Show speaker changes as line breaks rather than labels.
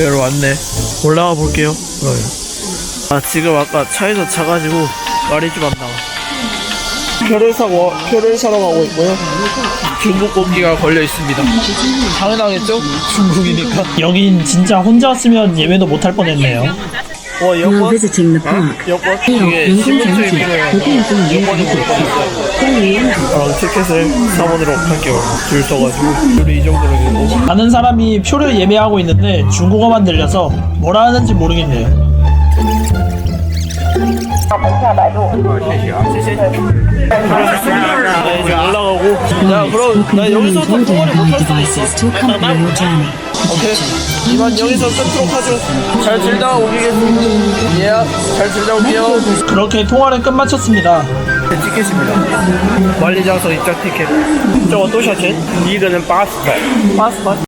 여기로 왔네. 올라가 볼게요. 지금 아까 차에서 자가지고 말이 좀 안 나와. 표를 사러 가고 있고요. 중국 공기가 걸려 있습니다. 당연하겠죠? 중국이니까.
여긴 진짜 혼자 왔으면 예매도 못할 뻔했네요.
여권? 여권? 이게 신분증이 필요해요. 여권이 못 받았어요. 티켓을 사본으로 할게요. 줄 서가지고. 줄이 이 정도로 되고.
아는 사람이 표를 예매하고 있는데 중국어만 들려서 뭐라 하는지 모르겠네요.
네, 이제 올라가고. 야, 그럼 나 여기서 통화를 못할 수도 있어. 오케이. 이만 여기서 끊도록 하죠. 잘 들다 오겠습니다. 예, 잘 들다 올게요.
그렇게 통화를 끝마쳤습니다.
티켓입니다. 관리장소 입장 티켓. 저거 또샤첸? 이거는 80발. 80발?